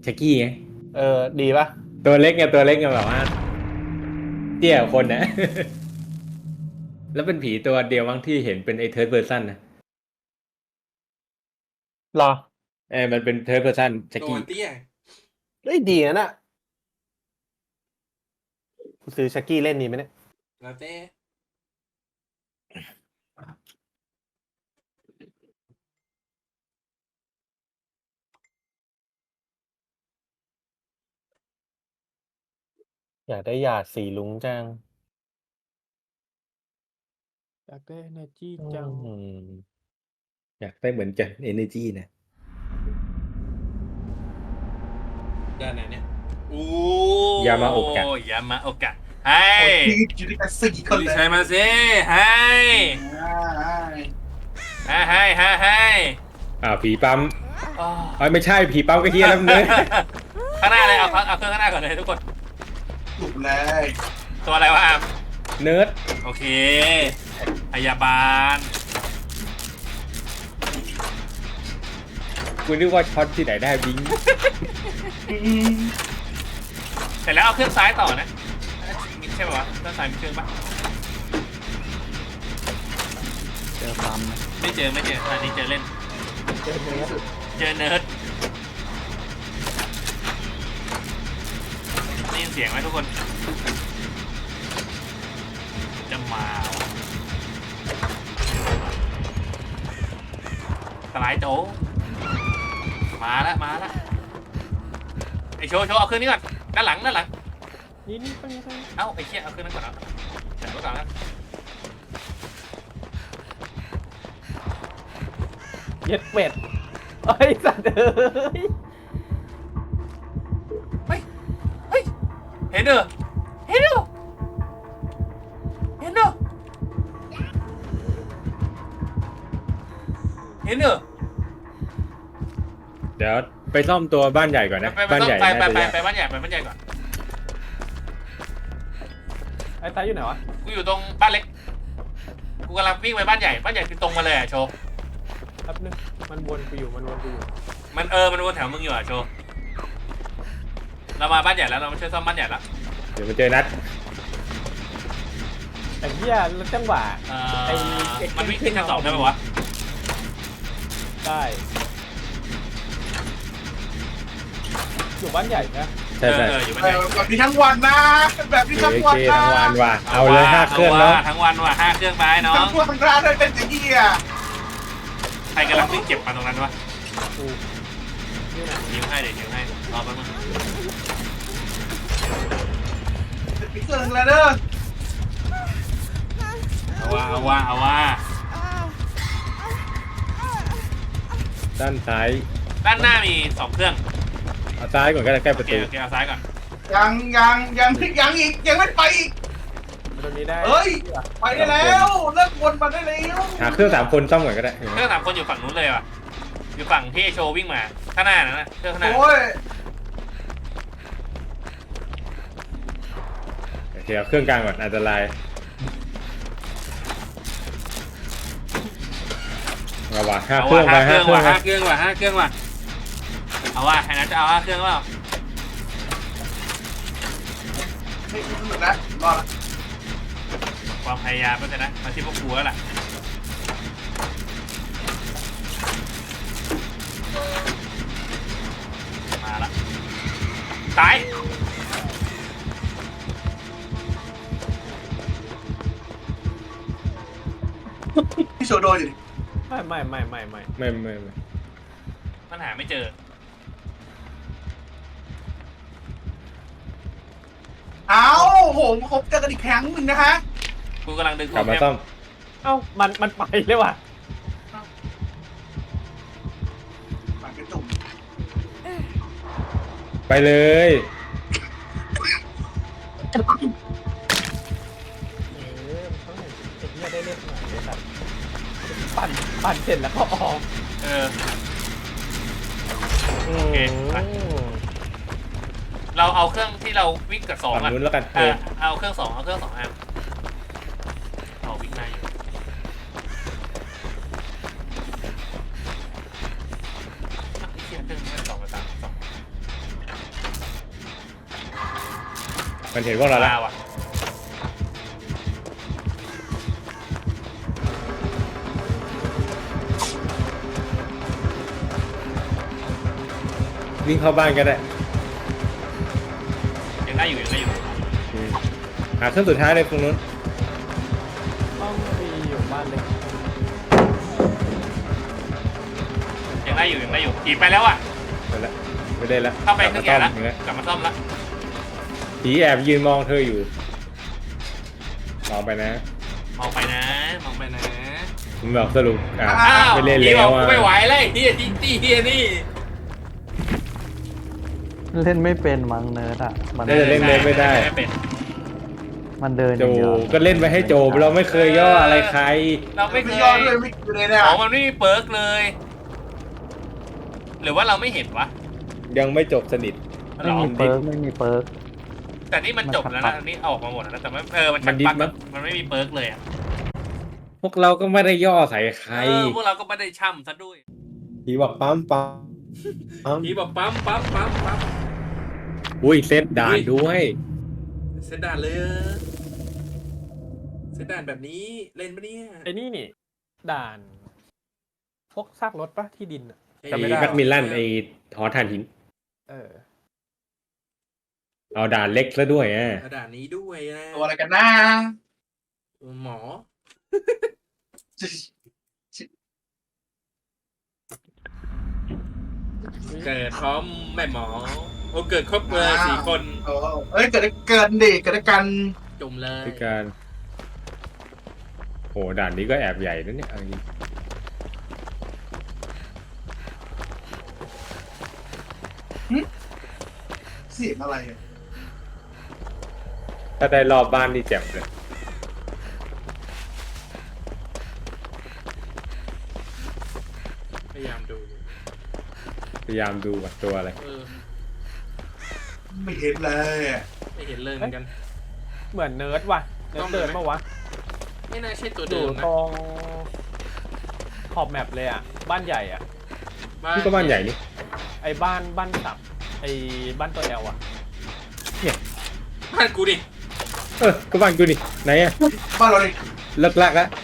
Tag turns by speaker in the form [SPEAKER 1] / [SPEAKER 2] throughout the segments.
[SPEAKER 1] ชักกี้ไง
[SPEAKER 2] ดีปะ
[SPEAKER 1] ตัวเล็กไงตัวเล็กไงแบบว่าเตี้ยกว่าคนนะแล้วเป็นผีตัวเดียวมั้งที่เห็นเป็นไอ้เทิร์ดเพอร์ซันนะ
[SPEAKER 2] รอ
[SPEAKER 1] มันเป็นเทิร์ดเพอร์ซันชัก
[SPEAKER 3] ตัว
[SPEAKER 1] กี้
[SPEAKER 3] เตี้ย
[SPEAKER 2] เฮ้ยดีนะกูซื้อชักกี้เล่นดีไหมเนี่ย
[SPEAKER 3] แล้วเต้
[SPEAKER 2] อยากได้หยาดสีลุงจัง
[SPEAKER 4] อยากได้ energy จัง
[SPEAKER 1] อยากได้เหมือนกัน energy นะ
[SPEAKER 3] ด้านไหนเนี่ยโอ้
[SPEAKER 1] ยามาโอกะ
[SPEAKER 3] ยามาโอกะให้
[SPEAKER 5] อยู่ด้วยกันสี่คนเลย
[SPEAKER 3] ใช่มาสิให้ให้
[SPEAKER 1] ผีปั๊ม
[SPEAKER 3] อ๋อ
[SPEAKER 1] ไม่ใช่ผีปั๊มก็เฮียแล้วเนื้อ
[SPEAKER 3] ข้างหน้าเลยเอาเครื่องข้างหน้าก่อนเลยทุกคน
[SPEAKER 5] ถูกเลย
[SPEAKER 3] ตัวอะไรวะอาม
[SPEAKER 1] เนิร์ด
[SPEAKER 3] โอเคพยาบาล
[SPEAKER 1] กูนึกว่าช็อตที่ไหนได้บิง
[SPEAKER 3] เสร็จแล้วเอาเครื่องซ้ายต่อนะใช่ป่าวะเครื่องซ้ายมีเครื่องปะ
[SPEAKER 4] เจอปั๊มไหม
[SPEAKER 3] ไม่เจออันนี้เจอเล่น
[SPEAKER 2] เจอเนื้อ
[SPEAKER 3] เจอเนิร์ดได้ยินเสียงไหมทุกคน จะมาว่ะสไลด์โจมาแล้วไอโชว์เอาเครื่องนี้ก่อนด้านหลัง
[SPEAKER 4] นี่ไปนี่
[SPEAKER 3] เอ้าไอเชี่ยเอาเครื่องนั้นก่อนเดี๋ยวก่อนนะ
[SPEAKER 2] เย็ดเป็ดเฮ้ยสัตว์
[SPEAKER 3] เฮ้ยเห็นเด้อเห็นเด้อ
[SPEAKER 1] เดี๋ยวไปซ่อมตัวบ้านใหญ่ก่อนนะ บ้านใหญ่
[SPEAKER 3] ไป
[SPEAKER 1] น่าจะยาก
[SPEAKER 3] บ้านใหญ่ก่อน
[SPEAKER 2] ไอ้ตายอยู่ไหนวะ
[SPEAKER 3] กูอยู่ตรงบ้านเล็กกูกำลังวิ่งไปบ้านใหญ่คือตรงมาเลยอะโชว์
[SPEAKER 2] แป๊บนึงมันวนกูอยู่
[SPEAKER 3] มันวนแถวมึงอยู่อะโชว์เรามาบ้านใหญ่แล้วเรามาช่วยซ่อมบ้านใหญ่แล้ว
[SPEAKER 1] เดี๋ยวมาเจอนัด
[SPEAKER 2] ไอ้เหี้ยแล้วจังหวะ
[SPEAKER 3] มันวิ่งขึ้นชั้น2ได้ปะวะ
[SPEAKER 2] ได้อยู่บ้านใหญ่นะ
[SPEAKER 1] ใช่
[SPEAKER 3] อยู่บ้านใหญ่
[SPEAKER 5] แบบนี้ทั้งวันนะแบบนี้
[SPEAKER 1] โอ
[SPEAKER 5] ทั้ง
[SPEAKER 1] เค
[SPEAKER 5] วันนะ
[SPEAKER 1] ทั้งวันว่ะเอาเลย5 เครื่องเนาะ
[SPEAKER 3] ทั้งวันว่ะ5 เครื่องไปน้อ
[SPEAKER 5] ทั้
[SPEAKER 3] ง
[SPEAKER 5] งวันทั้งร้านเลยเป็นอย่างนี้อ่ะ
[SPEAKER 3] ใครกำลังวิ่งเก็บมาตรงนั้นวะ
[SPEAKER 2] กูนี่นะ
[SPEAKER 3] นิ้วให้รอแป๊บนึง
[SPEAKER 5] มีเครื่องแล้วเด้อ
[SPEAKER 3] เอาว่า
[SPEAKER 1] ด้านซ้าย
[SPEAKER 3] ด้านหน้ามี2 เครื่อง
[SPEAKER 1] เอาซ้ายก่อนก็ได้ใกล้ป
[SPEAKER 3] โอ
[SPEAKER 1] ระ
[SPEAKER 3] เค
[SPEAKER 1] ตู
[SPEAKER 3] เอาซ้ายก่อน
[SPEAKER 5] ยังอีกยังไม่ไปอีก
[SPEAKER 2] ตรงนี้ได้
[SPEAKER 5] เฮ้ยไปได้แล้วเลิกวนมาได้แล้ว
[SPEAKER 1] หาเครื่อง3 คนซ่อมก่อนก็ได้
[SPEAKER 3] เครื่อง3 คนอยู่ฝั่งนู้นเลยว่ะอยู่ฝั่งที่โชว์วิ่งมาข้างหน้านะเครื่องข้างหน้า
[SPEAKER 5] โอ้ย
[SPEAKER 1] โอเคเอาเครื่องกลางก่อนอันตรายเอาว่ะ5 เครื่องไป5 เครื่อง
[SPEAKER 3] 5 เครื่องว่ะเอาว่ะให้นัทจะเอา5 เครื่องเปล่า
[SPEAKER 5] ไม่หมดแล้วรอดละ
[SPEAKER 3] ความพยายามก็จะนะมาที่พวกกูแล้วล่ะมาละตาย
[SPEAKER 5] พี่โชโดอยู่ดิ
[SPEAKER 2] ไม่
[SPEAKER 1] ไม่
[SPEAKER 3] มันหาไม่เจอ
[SPEAKER 5] เอาโหครบเจอกันอีกครั้งหนึ่งนะฮะ
[SPEAKER 3] กูกำลังดึง
[SPEAKER 1] กลับมาซ่อม
[SPEAKER 2] เอ้ามันไปเลยว่ะ
[SPEAKER 5] ปากกระจุ่ม
[SPEAKER 1] ไปเลย
[SPEAKER 2] มันต้องเห็นไอ้เหี้ยได้เล่นหน่อยเลยสัตว์ปั่นเสร็จแล้วก็ออก
[SPEAKER 3] โอเคไปเราเอาเครื่องที่เราวิ่งกับ2
[SPEAKER 1] ฝั่ง
[SPEAKER 3] อ่ะ
[SPEAKER 1] นู้นแล้วกัน
[SPEAKER 3] เอาเครื่อง2เอาเครื่อง2แอมเอาวิ่งได้อยู่ไอ้เหี้ยเครื่อง2กับ3 2
[SPEAKER 1] มันเห็นพวกเราแล้ว
[SPEAKER 3] ว่ะ
[SPEAKER 1] วิ่งเข้าบ้านก็ได้
[SPEAKER 3] ยังได้อยู่ยังได้อยู่
[SPEAKER 1] หาเครื่องสุดท้ายเลยตรงนู้น
[SPEAKER 4] ต้องมีอยู่บ้านเล็ก
[SPEAKER 3] ยังได้อยู่ยังได้อยู่อีกไปแล้วอ่ะ
[SPEAKER 1] ไปละไม่ได้ละ
[SPEAKER 3] เข้าไปเครื่องใหญ่แล้ว
[SPEAKER 1] กลับมาซ่อมอีกแล้ว
[SPEAKER 3] กลับมาซ่อมแล้ว
[SPEAKER 1] ผีแอบยืนมองเธออยู่มองไปนะ
[SPEAKER 3] มองไปนะมองไปนะ
[SPEAKER 1] ผมบอกสรุป
[SPEAKER 3] อ้าว
[SPEAKER 1] ไม่เล่น
[SPEAKER 3] พี่
[SPEAKER 1] แล้
[SPEAKER 3] บอ
[SPEAKER 1] ว
[SPEAKER 3] ก
[SPEAKER 1] อ่ะ
[SPEAKER 3] กูไม่ไหวเลยเฮียจริงตี้เฮียนี่
[SPEAKER 6] เล่นไม่เป็นมั้งเนิร์ดอ่ะ มัน
[SPEAKER 1] น่าจะเล่นไม่ได้
[SPEAKER 3] เป็น
[SPEAKER 6] มันเดินอ
[SPEAKER 1] โจ
[SPEAKER 6] ย่างเดียว
[SPEAKER 1] ก็เล่นไปให้โจเราไม่เคยย่ออะไรใคร
[SPEAKER 3] เราไม่เค
[SPEAKER 5] ไม่
[SPEAKER 3] ย
[SPEAKER 5] ยอดด้วยไม่อยู่เลยเนี่ย
[SPEAKER 3] ของมันไม่มีเปิร์กเลย หรือว่าเราไม่เห็นวะ
[SPEAKER 1] ยังไม่จบสนิท
[SPEAKER 6] ไม่มีเปิร์กไม่มีเปิร์ก
[SPEAKER 3] แต่นี่มันจบแล้ว
[SPEAKER 6] มัน
[SPEAKER 3] นะ
[SPEAKER 6] ชัก
[SPEAKER 3] อันนี่ออกมาหมดแล้วนะแต่ไม่มัน
[SPEAKER 1] มันดิบ
[SPEAKER 3] ปัก
[SPEAKER 1] มั้ง
[SPEAKER 3] มันไม่มีเปิร์กเลยอ่ะ
[SPEAKER 1] พวกเราก็ไม่ได้ย่อใส่ใคร
[SPEAKER 3] พวกเราก็ไม่ได้ช่ำซะด้วย
[SPEAKER 1] ผีบอกปั๊มปั๊ม
[SPEAKER 3] พี่บอกปั๊มปั๊มปั๊มปั๊ม
[SPEAKER 1] อุ้ยเซตด่านด้วย
[SPEAKER 3] เซตด่านเลยเซตด่านแบบนี้เล่นปะเนี่ย
[SPEAKER 4] ไอ้นี่นี่ ด่าน พวกซากรถปะที่ดินอะ
[SPEAKER 1] ไอ้แม็กมิลลันไอ้หอถ่านหิน
[SPEAKER 4] เออ
[SPEAKER 1] เอาด่านเล็กซะด้วยอ่ะ
[SPEAKER 3] ด่านนี้ด้วยนะ
[SPEAKER 5] ตัวอะไรกันนะ
[SPEAKER 3] หมอ เกิดพร้อมแม่หมอโอ้เกิดครบเลย4 คน
[SPEAKER 5] โอ้เอ้ยเกิดดิเกิดกัน
[SPEAKER 3] จุ่มเลย
[SPEAKER 1] คือการโหด่านนี้ก็แอบใหญ่นะเนี่ยเอาจริง
[SPEAKER 5] เสียงอะไรอะ
[SPEAKER 1] ถ้าได้รอบบ้านนี่แจ่มเลย
[SPEAKER 3] พยายามดู
[SPEAKER 1] พยายามดูว่าตัวอะไร
[SPEAKER 5] ไม่เห็นเลยอะ
[SPEAKER 3] ไม่เห็นเลยเหมือนกัน
[SPEAKER 4] เหมือนเนิร์ดว่ะ เนิร์ดเดินมาวะ
[SPEAKER 3] ไม่น่าใช่ตัว
[SPEAKER 4] อ
[SPEAKER 3] เดิ
[SPEAKER 4] ยู่
[SPEAKER 3] มนะ
[SPEAKER 4] ตรงขอบแมปเลยอ่ะ บ้านใหญ่อ่ะ
[SPEAKER 1] นี่ก็บ้านใหญ่นี่
[SPEAKER 4] ไอ้บ้านตับ ไอ้บ้านตัวแอลอ่ะ
[SPEAKER 3] บ้านกูดิ
[SPEAKER 1] ก็บ้านกูนี่ไหนอะ
[SPEAKER 5] บ้านเราเลย
[SPEAKER 1] เลิกลักแล้ว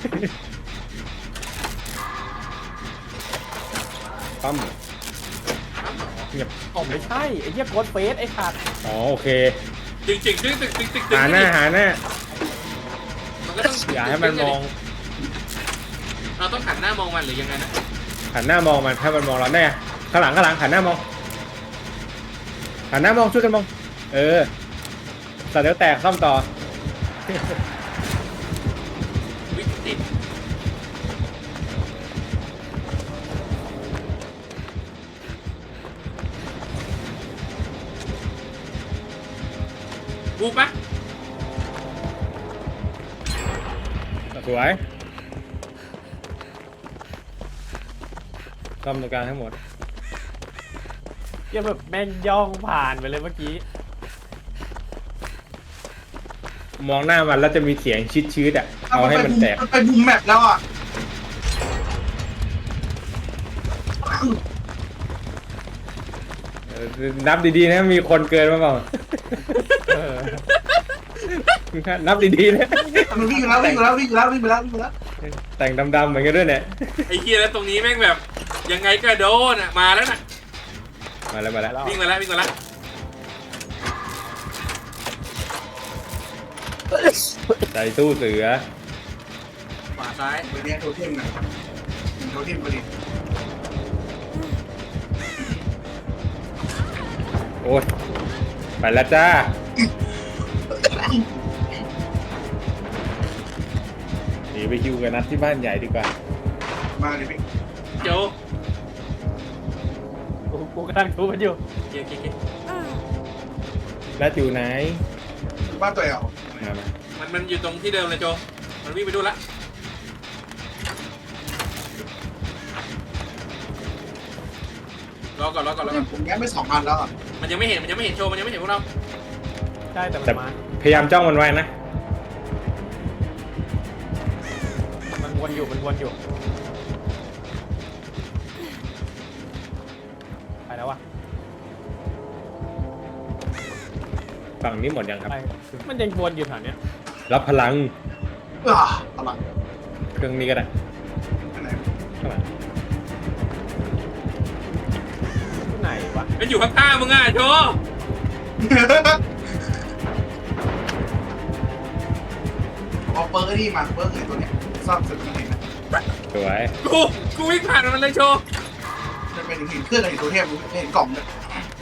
[SPEAKER 1] ปั๊มเงียบ
[SPEAKER 4] อ๋อไม่ใช่ ไอ้เหี้ยโกดเฟสไอ้ขาด
[SPEAKER 1] อ๋อโอเค
[SPEAKER 3] จริงจริงจริงจริงจริงจริง
[SPEAKER 1] หาหน้า
[SPEAKER 3] มันก็ต้อง
[SPEAKER 1] อย่าให้มันมอง
[SPEAKER 3] เราต้องหันหน้ามองมันหรือยังไงนะ
[SPEAKER 1] หันหน้ามองมันถ้ามันมองเราแน่ข้างหลังหันหน้ามองหันหน้ามองช่วยกันมองสัตว์เดี๋ยวแตกซ่อมต่อ
[SPEAKER 3] วิติดบูปะ
[SPEAKER 1] สวยซ่อมตรงกลางทั้งหมด
[SPEAKER 4] เหี้ยแบบแม่งย่องผ่านไปเลยเมื่อกี้
[SPEAKER 1] มองหน้ามันแล้วจะมีเสียงชืดๆอ่ะเอาให้มันแตก
[SPEAKER 5] มันไปบุมแมปแล้วอ่ะ
[SPEAKER 1] นับดีๆนะมีคนเกินมาเปล่า
[SPEAKER 4] เออ
[SPEAKER 1] นับดีๆนะ
[SPEAKER 5] มันวิ่งแล้ววิ่งแล้ววิ่งแล้ววิ่งแล้ววิ่งแล้ว
[SPEAKER 1] แต่งดำๆเหมือนกันด้วยเนี่ย
[SPEAKER 3] ไอ้เคียแล้วตรงนี้แม่งแบบยังไงก็โดนอ่ะมาแล้วน่ะ
[SPEAKER 1] มาแล้ว
[SPEAKER 3] วิ่งมาแล้ววิ่งมาแล้ว
[SPEAKER 1] ใส่ตู้เสือ
[SPEAKER 3] ขวาซ้าย
[SPEAKER 5] ไปเนี่ยโทเทมนะโทเทมพอดี
[SPEAKER 1] โอ้ยไปแล้วจ้าหนีไปคิวกันนัดที่บ้านใหญ่ดีกว่า
[SPEAKER 5] มาเลยพี่
[SPEAKER 3] โจ
[SPEAKER 4] กูกำลังดูมันอยู่
[SPEAKER 3] เกียร์
[SPEAKER 1] นัดอยู่ไหน
[SPEAKER 5] บ้านตัวเอล
[SPEAKER 1] มา
[SPEAKER 3] มันอยู่ตรงที่เดิมเลยโจมันวิ่งไปดูละรอก่อน
[SPEAKER 5] ผมแง้มไป2 อันแล้วอ่ะ
[SPEAKER 3] มันยังไม่เห็นโชว์มันยังไม่เห็นพวกเรา
[SPEAKER 4] ใช่แต่มัน
[SPEAKER 1] แต่
[SPEAKER 4] มา
[SPEAKER 1] พยายามจ้องมันไว้นะ
[SPEAKER 4] มันวนอยู่ ไปแล้ววะ
[SPEAKER 1] ฝั่งนี้หมดยังครับ
[SPEAKER 4] ไปมันยังวนอยู่แถวเนี้ย
[SPEAKER 1] รับพลัง
[SPEAKER 5] อะไร
[SPEAKER 1] เครื่องนี้ก็ได้
[SPEAKER 5] อันไหน
[SPEAKER 1] ข้างหลัง
[SPEAKER 4] ที่ไหนวะ
[SPEAKER 3] มันอยู่ข้างๆมึงอ่ะโชว์
[SPEAKER 5] เอาเปิร์กนี่มาเปิร์กไอ้ตัวเนี้ยซ่อมสุดจริงๆนะ
[SPEAKER 1] สวย
[SPEAKER 3] กูวิ่งผ่านมันเลยโชว์
[SPEAKER 5] จะเป็นหินเครื่องกับหินตัวเทพไม่เห็นกล่องเลย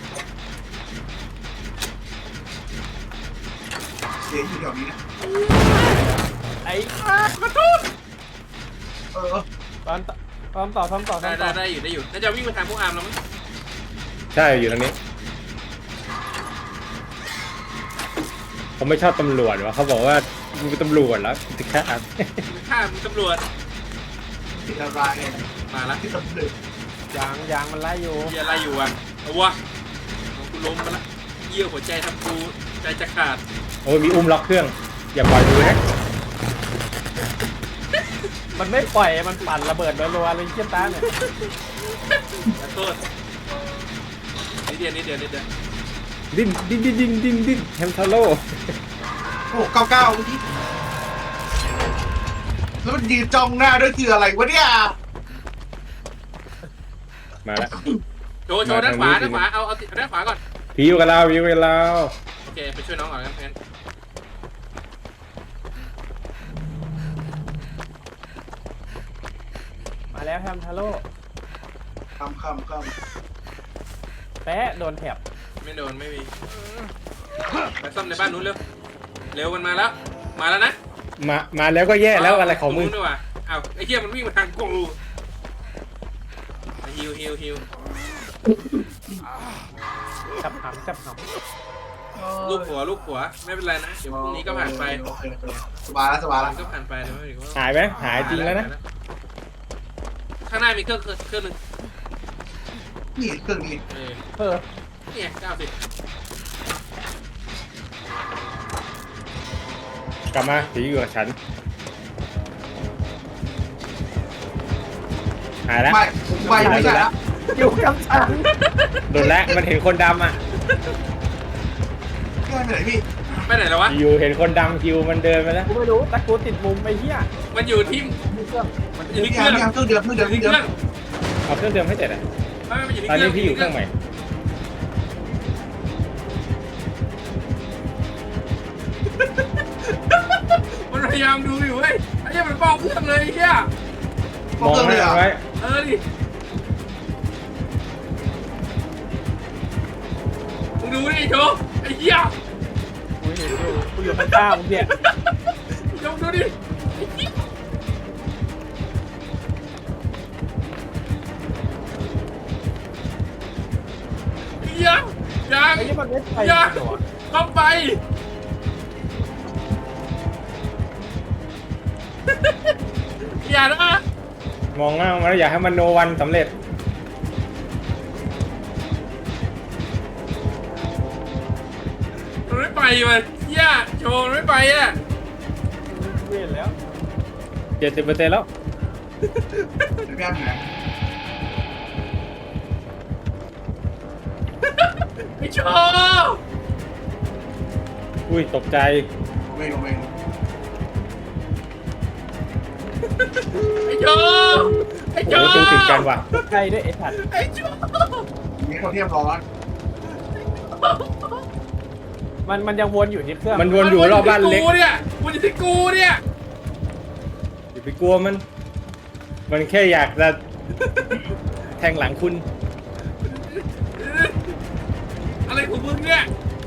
[SPEAKER 5] เสียอยู่แถวนี้นะ
[SPEAKER 4] ไอ้
[SPEAKER 3] กระตุ้น
[SPEAKER 5] เออ
[SPEAKER 4] ตอนต่อ
[SPEAKER 3] ได้อยู่น่าจะวิ่งไปทางพวกอาร์มแล้วมั้ง
[SPEAKER 1] ใช่อยู่ตรงนี้ผมไม่ชอบตำรวจวะเขาบอกว่ามึงเป็นตำรวจแล้วจะฆ่า
[SPEAKER 3] ฆ่ามึงตำรวจ
[SPEAKER 5] ติดอะไรเนี่ย
[SPEAKER 3] มาละ
[SPEAKER 5] ที่ตำรวจ
[SPEAKER 4] ยางมันไล่อยู่
[SPEAKER 3] เหี้ยอะไรอยู่อ่ะเอาวะกูล้มมาละเยี่ยวหัวใจทำกูใจจะขาด
[SPEAKER 1] โอ้ยมีอุ้มล็อกเครื่อง อย่าปล่อยมือนะ
[SPEAKER 4] มันไม่ปล่อยมันปั่นระเบิดรัวๆเลยเชี่ยตาเนี่ย
[SPEAKER 3] ขอโทษนิดเดียว
[SPEAKER 1] ดิ้นแฮมทาโร่
[SPEAKER 5] โอ้99เมื่อกี้แล้วมันยืนจ้องหน้าด้วยคืออะไรวะเนี่ย
[SPEAKER 1] มาแล้ว
[SPEAKER 3] โชว์ด้านขวาเอาด้านขวาก่อน
[SPEAKER 1] พิวกับเรา
[SPEAKER 3] โอเคไปช่วยน้องก่อนงั้น
[SPEAKER 4] มาแล้วแฮมทาโร่
[SPEAKER 5] คำ
[SPEAKER 4] แปะโดนแถบ
[SPEAKER 3] ไม่โดนไม่มีไปซ่อมในบ้านนู้นเร็วมันมาแล้วนะ
[SPEAKER 1] มาแล้วก็แย่แล้วอะไรของมึง
[SPEAKER 3] ตนู้นด้วยว่ะอ้าวไอ้เหี้ยมันวิ่งมาทางกูฮิว
[SPEAKER 4] จับหำ
[SPEAKER 3] ลูกหัวไม่เป็นไรนะเดี๋ยวพรุ่งนี้ก็ผ่านไป
[SPEAKER 5] โอเคสบายแล้ว
[SPEAKER 3] มันก็ผ่านไปเดี๋ยวไม่ถึงว่า
[SPEAKER 1] หายไหมหายจริงแล้วนะ
[SPEAKER 3] ข้างหน้ามีเครื่องนึง
[SPEAKER 5] นี่เครื่องนี้
[SPEAKER 4] เออ
[SPEAKER 3] เนี่ย90
[SPEAKER 1] กลับมาผีอยู่กับฉันหายแล้ว
[SPEAKER 5] ไม่ใช่แล้ว
[SPEAKER 4] อยู่กับฉัน
[SPEAKER 1] โดนแล้วมันเห็นคนดำอ่ะ
[SPEAKER 5] เครื่องไหนพี่
[SPEAKER 3] ไปไหนแล้ววะ
[SPEAKER 1] อยู่เห็นคนดำคิวมันเดินไปแล้ว
[SPEAKER 4] กูไม่รู้แต่กูติดมุมไอ้เหี้ย
[SPEAKER 3] มันอยู่ที่
[SPEAKER 4] มีเครื่อง
[SPEAKER 3] มันอ
[SPEAKER 5] นี่
[SPEAKER 3] ยู่ที่เค
[SPEAKER 5] เค
[SPEAKER 3] รื่อง
[SPEAKER 5] รื่องเดิม
[SPEAKER 1] เอาเครื่องเดิมให้เสร็จอ่ะ
[SPEAKER 3] มันอยู่ที่
[SPEAKER 1] ตอน
[SPEAKER 3] เครื่
[SPEAKER 1] นี้
[SPEAKER 3] อง
[SPEAKER 1] พี่อยู่เครื่องใหม่
[SPEAKER 3] มันพยายามดูอยู่เว้ยไอ้เหี้ยมันป้องเครื่องเลยไอ้เหี้ย
[SPEAKER 1] มองหน้าไว้
[SPEAKER 3] ดิมึงดูดิโชว์ไอ้เหี้ย
[SPEAKER 4] กูเห็นอยู่กูอยู่ข้างๆมึงเนี่ย
[SPEAKER 3] โชว์ดูดิไอ้เหี้ยยัง
[SPEAKER 4] ไอ้นี่มันไม่ไป
[SPEAKER 3] อย่า
[SPEAKER 4] เหรอ
[SPEAKER 3] เข้าไป อย่านะ
[SPEAKER 1] มองหน้ามันแล้วอยากให้มันโนวันสำเร็จ
[SPEAKER 3] มันไม่ไปมันเหี้ยโชว์มันไม่ไปอ่ะ
[SPEAKER 4] เวียนแล้ว
[SPEAKER 1] 70%แล้ว
[SPEAKER 5] เดี๋ยวพี่อ้ำอยู่ไหน
[SPEAKER 3] ไอ้โชว์
[SPEAKER 1] อุ้ยตกใจ
[SPEAKER 5] ลงเอง
[SPEAKER 3] ไอ้โชว์ไอ้
[SPEAKER 1] โอ้
[SPEAKER 3] โช
[SPEAKER 1] โห
[SPEAKER 3] ว์
[SPEAKER 1] ตู้ติดกันว่ะ
[SPEAKER 4] ใกล้ด้วยไอ้ถัด
[SPEAKER 3] ไอ้โชว์
[SPEAKER 5] นี่เขาเทียบร้อน
[SPEAKER 4] มันยังวนอยู่ที่เครื่อง
[SPEAKER 1] มันวนอยู่รอบบ้านเล็ก
[SPEAKER 3] กูเนี่ยมันอยู่ที่กูเนี่ย
[SPEAKER 1] อย่าไปกลัวมัน มันแค่อยากจะแทงหลังคุณ
[SPEAKER 3] อะไรของมึงเนี่ย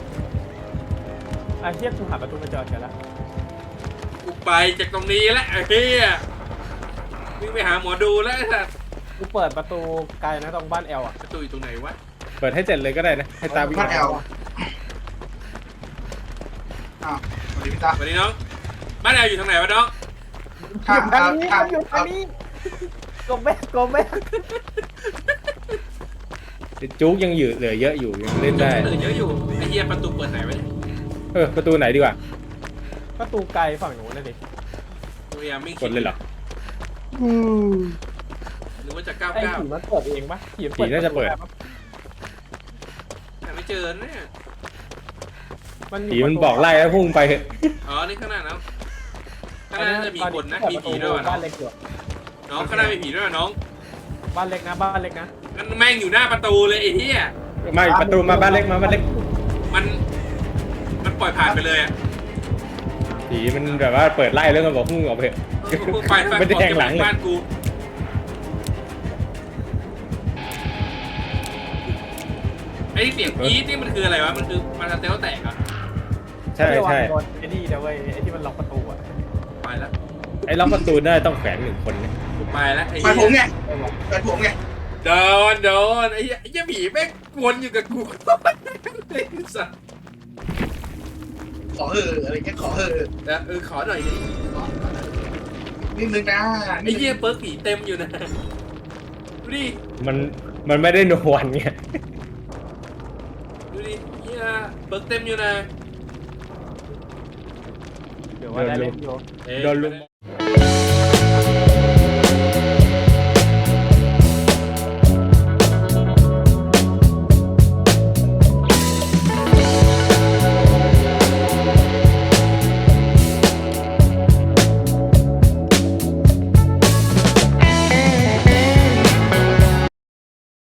[SPEAKER 4] ไอ้เหี้ยกูหาประตูมาจอดกันแล้ว
[SPEAKER 3] กูไปจากตรงนี้แล้วไอ้เหี้ยวิ่งไปหาหมอดูแล้วไอ้สัส
[SPEAKER 4] กูเปิดประตูไกลนะตรงบ้านแอลอ่ะ
[SPEAKER 3] ประตูอยู่ตรงไหนวะ
[SPEAKER 1] เปิดให้เสร็จเลยก็ได้นะ ให้ตาวิ่ง
[SPEAKER 5] พัดแอลอ้าวสวัสดีพี่ตา
[SPEAKER 3] สวัสดีน้องบ้านแอลอยู่ทางไหนวะน้อง
[SPEAKER 5] ข้าง
[SPEAKER 4] ทางนี้มันอยู่ทางนี้กบแม่
[SPEAKER 1] จุกยังเหลือเยอะอยู่ยังเล่นได้
[SPEAKER 3] เยอะอยู่ไอ้เหี้ยประตูเปิดไหนวะเนี่ย
[SPEAKER 1] ประตูไหนดีกว่า
[SPEAKER 4] ประตูไกลฝั่งนู้นนะดิ
[SPEAKER 3] พยายามไม่
[SPEAKER 1] ก
[SPEAKER 3] คิ
[SPEAKER 1] ดเลยเหรอ
[SPEAKER 3] หรือว่าจะ
[SPEAKER 4] ไอ้ผี
[SPEAKER 3] 99
[SPEAKER 4] มันเปิดเองปะผี
[SPEAKER 1] ผีน่าจะเปิด
[SPEAKER 3] หาไม่เจอเนี่ย
[SPEAKER 1] ผีมันบอกไล่แล้วพุ่งไปเถอะ
[SPEAKER 3] อ๋อนี่ข้างหน้านะข้างหน้าน่าจะมีคนนะมีผีด้วยว่ะน้
[SPEAKER 4] บ้า
[SPEAKER 3] อน ง
[SPEAKER 4] เล็กอยู่
[SPEAKER 3] น้องข้างหน้ามีผีด้วยว่ะน้อง
[SPEAKER 4] บ้านเล็กนะบ้านเล็กนะ
[SPEAKER 3] งั้นแม่งอยู่หน้าประตูเลยไอ้เหี้ย
[SPEAKER 1] ไม่ประตูมาบ้านเล็กมาบ้านเล็ก
[SPEAKER 3] มันปล่อยผ่านไปเลยอ่ะ
[SPEAKER 1] ผีมันแบบว่าเปิดไล่แล้วก็บอกพุ่งออกไปเถอะ
[SPEAKER 3] ไป
[SPEAKER 1] ไม่ได้แทงหลังเลย
[SPEAKER 3] บ้านกูไอ้เสียงกรี๊ดนี่มันคืออะไรวะมันคือมันสเตลแตกอ่ะ
[SPEAKER 1] ใช่ใช่
[SPEAKER 4] โดนไอ้นี่นะเว้ยไอ้ที่มันล็อกประตูอะ
[SPEAKER 3] ไปแล้ว
[SPEAKER 1] ไอ้ล็อกประตูได้ต้องแขวน1 คนเนี่ย
[SPEAKER 3] ไปแล้วไอ้
[SPEAKER 5] ไป
[SPEAKER 3] เหี้
[SPEAKER 5] ผมไง
[SPEAKER 3] ย
[SPEAKER 5] ไปผมไง
[SPEAKER 3] โดนไอ้เหี้ยผีแม่งวนอยู่กับกูไอ้สัส
[SPEAKER 5] ขออะไรเงี้ยขอ
[SPEAKER 3] ขอหน่อยดิ
[SPEAKER 5] นิดนึงนะ
[SPEAKER 3] ไอ้เหี้ยเปิร์กผีเต็มอยู่นะดูดิ
[SPEAKER 1] มันไม่ได้นวลไง
[SPEAKER 3] ดูดิเหี้ยเปิร์กเต็มอยู่นะ
[SPEAKER 4] เดี๋ยวว่าได้เล่นอยู่
[SPEAKER 3] เอ้ย
[SPEAKER 1] โดนลุม